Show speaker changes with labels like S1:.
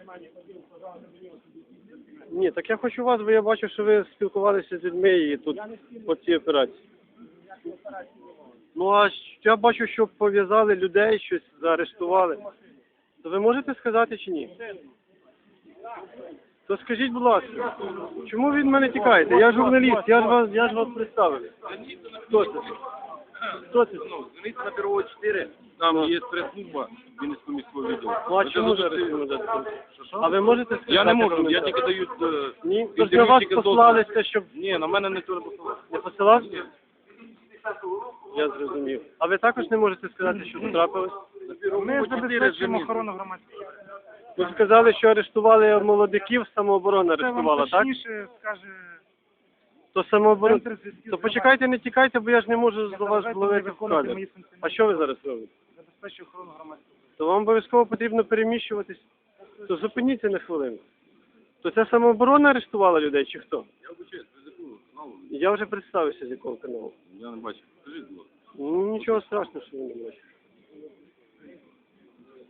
S1: Ні, так я хочу вас, бо я бачу, що ви спілкувалися з людьми і тут по цій операції. Ну, а я бачу, що пов'язали людей, щось заарештували. То ви можете сказати чи ні? То скажіть, будь ласка, чому ви від мене тікаєте? Я журналіст, я ж вас представив. Хто це? Хто це?
S2: Звоните на Пирогова 4, там є прес-служба Вінницького міського відділу.
S1: Ну, а чому зараз? А ви можете сказати?
S2: Я не можу, я
S1: коментар?
S2: тільки даю
S1: Ні, тож на вас послалися, щоб...
S2: Ні, на мене ніхто не посилав.
S1: Не посилав? Я зрозумів. А ви також не можете сказати, що трапилось?
S3: Ми забезпечуємо охорону громадського.
S1: Ви сказали, що арештували молодиків, самооборона
S3: Це вам
S1: арештувала, так?
S3: точніше скаже
S1: То самооборона...
S3: центр зв'язків.
S1: То почекайте, не тікайте, бо я ж не можу до вас зловити в
S3: виконувати
S1: кадрі.
S3: мої функції.
S1: А що ви зараз робите?
S3: Забезпечую охорону громадського.
S1: То вам обов'язково потрібно переміщуватись. То зупиніться на хвилину. То це самооборона арештувала людей чи хто?
S2: Я обучаюсь, ви з якого каналу?
S1: Я вже представився, з якого каналу.
S2: Я не бачив. Скажіть, будь ласка.
S1: Ну, нічого страшного, що ви не бачите.